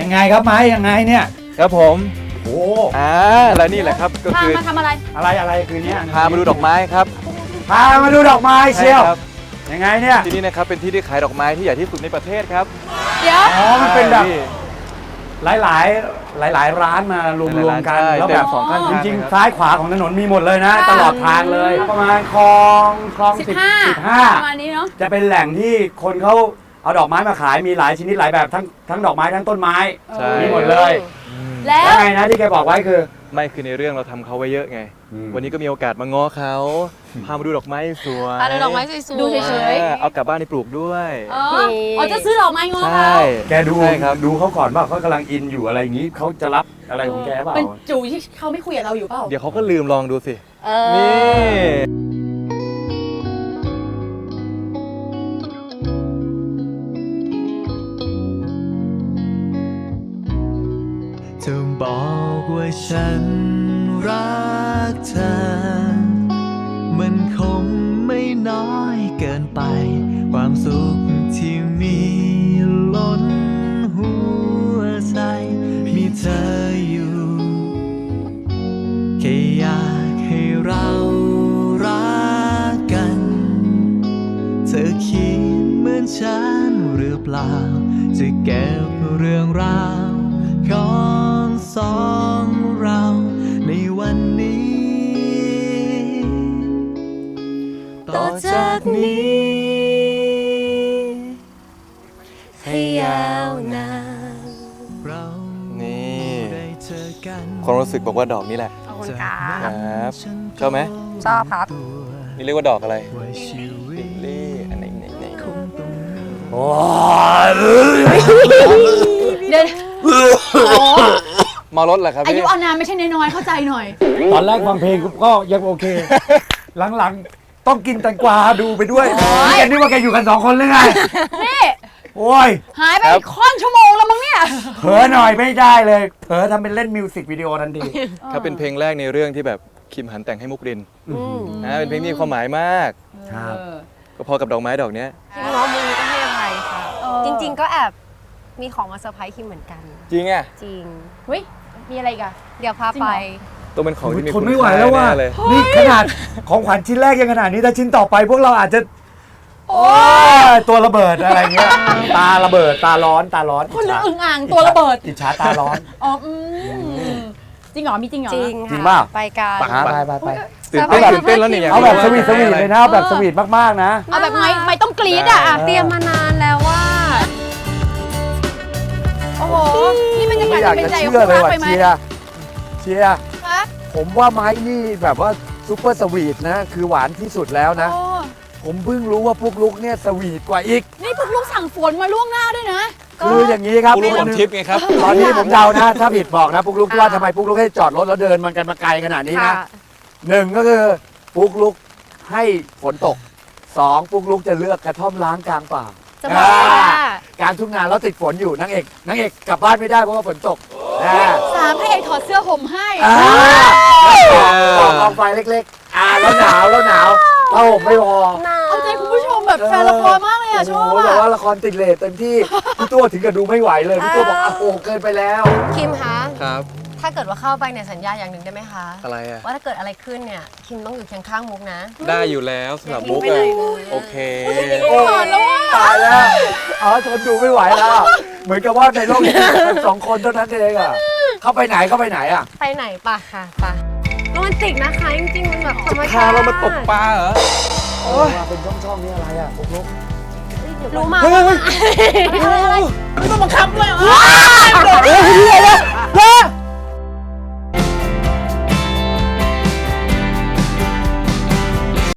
ยังไงครับไม้ยังไงเนี่ยครับผมโอ้และนี่แหละครับก็พาคือมาทำอะไรอะไรคืนนี้พามาดูดอกไม้ครับพามาดูดอกไม้เชียวใช่ครับยังไงเนี่ยที่นี่นะครับเป็นที่ที่ขายดอกไม้ที่ใหญ่ที่สุดในประเทศครับเดี๋ยวอ๋อมันเป็นแบบใช่หลายร้านมารวมๆกันใช่แล้วแบบเต็มสองข้างทางจริงเลยครับๆซ้ายขวาของถนนมีหมดเลยนะ ตลอดทางเลย ประมาณคลอง 15 15 ประมาณนี้เนาะจะเป็นแหล่งที่คนเขาเอาดอกไม้มาขายมีหลายชนิดหลายแบบทั้งดอกไม้ทั้งต้นไม้ใช่มีหมดเลยแล้วแล้วไงนะที่แกบอกไว้คือไม่คือในเรื่องเราทำเขาไว้เยอะไงอืมวันนี้ก็มีโอกาสมาง้อเขาพามาดูดอกไม้สวยพาดูดอกไม้สวยๆดูเฉยเอากลับบ้านไปปลูกด้วยอ๋อจะซื้อดอกไม้งอใช่เขาแกดูใช่ครับดูเขาก่อนว่าเขากำลังอินอยู่อะไรอย่างนี้เขาจะรับอะไรของแกเปล่าเป็นจูที่เขาไม่คุยกับเราอยู่เปล่าเดี๋ยวเขาก็ลืมลองดูสิเอนี่อจะบอกว่าฉันรักเธอ มันคงไม่น้อยเกินไป ความสุขที่มีล้นหัวใจ มีเธออยู่ แค่อยากให้เรารักกัน เธอคิดเหมือนฉันหรือเปล่า จะเก็บเรื่องราวของสองเราในวันนี้ ต่อจากนี้ ให้ยาวนานเรานี่ได้เจอกันความรู้สึกบอกว่าดอกนี้แหละขอบคุณครัครับฉันชอบไหมชอบครับนี่เรียกว่าดอกอะไรว่าชีวิลิตลลี่อันไหนคงต้องโอ้ยเดี๋ยวอ๋อมารถเหรอครับอายุพี่อานามไม่ใช่น้อยๆเข้าใจหน่อยตอนแรกฟังเพลงก็ยังโอเค หลังๆ ต้องกินแตงกวาดูไปด้วยนี่แกนึกว่าแกอยู่กัน2 คนหรือไงนี่โอ้ยหายไปค่อนชั่วโมงแล้วมั้งเนี่ยเผลอหน่อยไม่ได้เลยเผลอทำเป็นเล่นมิวสิกวิดีโอทันทีครับเป็นเพลงแรกในเรื่องที่แบบคิมหันแต่งให้มุกรินเป็นเพลงที่มีความหมายมากครับก็พอกับดอกไม้ดอกเนี้ยคิมง้อมือก็ให้อภัยค่ะเออจริง ๆ ก็แอบมีของมาเซอร์ไพรส์คิมเหมือนกันจริงอ่ะจริงเฮ้ย มีอะไรอีกันเดี๋ยวพาจริงไปเหรอต้องเป็นของที่มีทคุนณไม่ไหวแล้วว่ะค่าน่เลยนี่ขนาดของขวัญชิ้นแรกยังขนาดนี้ถ้าชิ้นต่อไปพวกเราอาจจะโอ้ตัวระเบิดอะไรเงี้ย ตาระเบิดตาร้อนคนละอึ่งอ่างตัวระเบิดอิจฉาตาร้อนอ๋อจริงเหรอ มีจริงเหรอจริงจริงค่ะเปล่าไปกันไปตื่นเต้นตื่นเต้นแล้วเนี่ยเอาแบบสวีทเลยนะเอาแบบสวีทมากๆนะเอาแบบไม่ต้องกรี๊ดอ่ะเตรียมมานานแล้วว่าโอ้โห นี่มันจะไม่กอยากเป็นจะใจเชื่อเลยว่ะไปไหมเชียร์ฮะผมว่าไม้นี่แบบว่าซุปเปอร์สวีทนะ คือหวานที่สุดแล้วนะโอ้ผมเพิ่งรู้ว่าพวกลุกเนี่ยสวีทกว่าอีกนี่พวกลูกสั่งฝนมาล่วงหน้าด้วยนะคืออย่างนี้ครับผู้รู้ผลทิพย์ไงครับตอนนี้ผมเดานะ ถ้าผิดบอกนะปุ๊กลุกว่าทำไมปุ๊กลุกให้จอดรถแล้วเดินมันกันมาไกลขนาดนี้นะค่ะหนึ่งก็คือปุ๊กลุกให้ฝนตกสองปุ๊กลุกจะเลือกกระท่อมล้างกลางป่าจะบอกว่ากลางทุ่งนาแล้วติดฝนอยู่นางเอกกลับบ้านไม่ได้เพราะว่าฝนตกนะสามพระเอกถอดเสื้อห่มให้กองไฟเล็กๆแล้วหนาวผ้าห่มไม่พอเอาใจคุณผู้ชมแบบแฟนละครมากเลยอ่ะชอบโอ้โหแต่อ่ะว่าละครติดเลทเต็มที่พี่ตัวถึงกับดูไม่ไหวเลยพี่ตัวบอกโอ้โหเกินไปแล้วคิมคะครับถ้าเกิดว่าเข้าไปเนี่ยสัญญาอย่างหนึ่งได้ไหมคะอะไรอ่ะว่าถ้าเกิดอะไรขึ้นเนี่ยคิมต้องอยู่เคียงข้างมุกนะได้อยู่แล้วสำหรับอย่าทิ้มุงกไปเลยโอเคโอ้ตายแล้วทนดูไม่ไหวแล้ว เหมือนกับว่าในโลกนี้เป็น2 คนเท่านั้นเองอ่ะเข้าไปไหนอ่ะไปไหนปะค่ะปะโรแมนติกนะคะจริงๆมันแบบธรรมพาชาติเรามาตกปลาเหรอมาเป็นช่องๆนี่อะไรอ่ะปุ๊กลุกรู้มาเฮ้ยไม่ต้องบังคับด้วย